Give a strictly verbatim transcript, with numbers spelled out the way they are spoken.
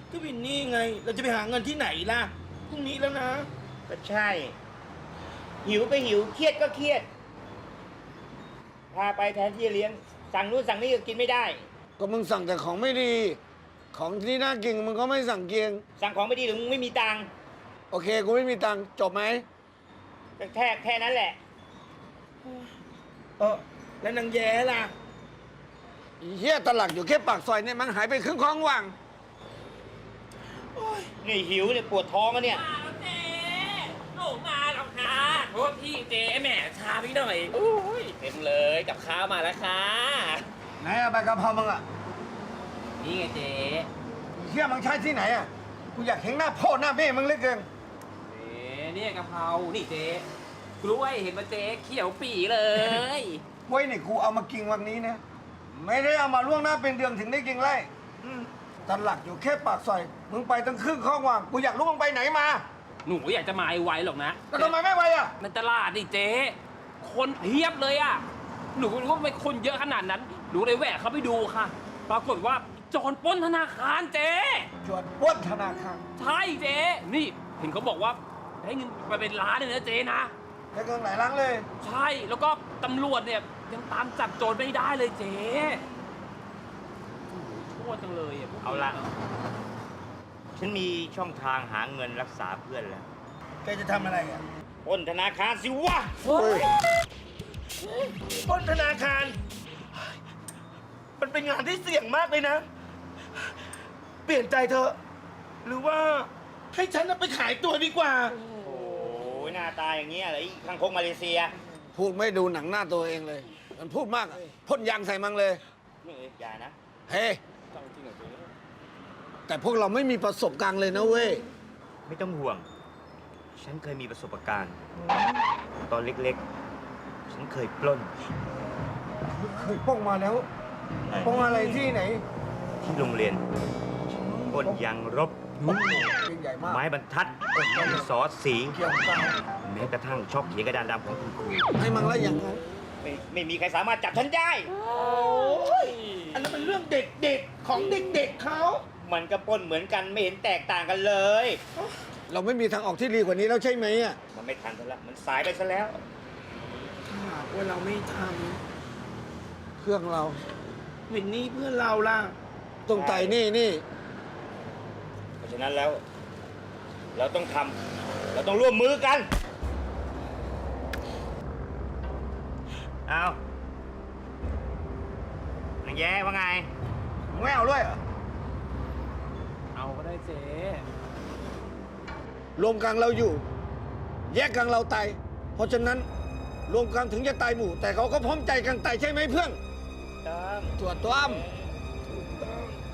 ก็วินนี่ไง เราจะไปหาเงินที่ไหนล่ะพรุ่งนี้แล้วนะก็ใช่ หิวก็หิวเครียดก็เครียดพาไปแทนที่จะเลี้ยงสั่งนู้นสั่งนี้ก็กินไม่ได้ก็มึงสั่งแต่ของไม่ดี ของที่น่ากินมึงก็ไม่สั่งเกียงสั่งของไม่ดีหรือมึงไม่มีตังค์โอเคกูไม่มีตังค์จบไหมแค่แค่นั้นแหละเออแล้วนางแย้ล่ะอีเหี้ยตลักอยู่แค่ปากซอยเนี่ยมันหายไปครึ่งคลองว่างนี่หิวเนี่ยปวดท้องแล้วเนี่ยมาแล้วเจ๊หนูมาแล้วค่ะโทษพี่เจ๊แหมช้าพี่หน่อยอุ้ยเต็มเลยกับข้าวมาแล้วค่ะไหนอะใบกะเพรามึงอะนี่ไงเจ๊อีเหี้ยมึงใช้ที่ไหนอะกูอยากเห็นหน้าพ่อหน้าแม่มึงเหลือเกินเจ๊เนี่ยกะเพรานี่เจ๊กล้วยเห็นมาเจ๊เขียวปีเลยไว้นี่กูเอามากินวันนี้นะไม่ได้เอามาล่วงหน้าเป็นเดือนถึงได้กินไรอืมตลักอยู่แค่ปากซอยมึงไปตั้งครึ่งคลองว่างกูอยากรู้มึงไปไหนมาหนูอยากจะมาไวๆหรอกนะแล้วทำไมไม่ไปอะในตลาดนี่เจ๊คนเพียบเลยอ่ะหนูก็รู้ว่าทำไมคนเยอะขนาดนั้นหนูเลยแหวกเข้าไปดูค่ะ ปรากฏว่าโจรปล้นธนาคารเจ๊จวดปล้นธนาคารใช่เจ๊นี่เห็นเขาบอกว่าได้เงินไปเป็นล้านเลยนะเจ๊นะได้เงินหลายล้านเลยใช่แล้วก็ตำรวจเนี่ยยังตามจับโจรไม่ได้เลยเจ๊โอ้โหชั่วจังเลยอ่ะพวกนี้เอาละ ฉันมีช่องทางหาเงินรักษาเพื่อนแล้วแกจะทำอะไรอ่ะปล้นธนาคารสิวะเฮ้ยปล้นธนาคาร มันเป็นงานที่เสี่ยงมากเลยนะ เปลี่ยนใจเถอะ หรือว่าให้ฉันน่ะไปขายตัวดีกว่าโอ้ยหน้าตาอย่างเงี้ยเหรอไอ้คังคกมาเลเซียพูดไม่ดูหนังหน้าตัวเองเลย มันพูดมากอะพ่นยางใส่มังเลยนี่อย่านะเฮ้แต่พวกเราไม่มีประสบการณ์เลยนะเว้ยไม่ต้องห่วง ฉันเคยมีประสบการณ์ ตอนเล็กๆ ฉันเคยปล้นเคยป้องมาแล้วป้องอะไรที่ไหนที่โรงเรียนปล้นยางรบใหญ่มากไม้บรรทัดดินสอสีเกี่ยวกับแม้กระทั่งช็อกเขียนกระดานดำของคุณครูให้มังแล้วอย่างนั้นไม่ไม่มีใครสามารถจับฉันได้โอ้ยอันนั้นเป็นเรื่องเด็กๆของเด็กๆเขามันก็ปล้นเหมือนกันไม่เห็นแตกต่างกันเลยเราไม่มีทางออกที่ดีกว่านี้แล้วใช่ไหมอ่ะมันไม่ทันซะแล้วมันสายไปซะแล้วถ้าหากว่าเราไม่ทเครื่องเราำวินนี่เพื่อนเราล่ะตรงไต่นี่นี่เพราะฉะนั้นแล้ว เราต้องทำเราต้องร่วมมือกันเอานางแย้ว่าไงไม่เอาด้วยเหรอเอาก็ได้เจ๊รวมกันเราอยู่ แยกกันเราตายเพราะฉะนั้นรวมกันถึงจะตายหมู่ แต่เขาก็พร้อมใจกันตายใช่ไหมเพื่อนต้องตรวจตัวอ้ำถูกต้อง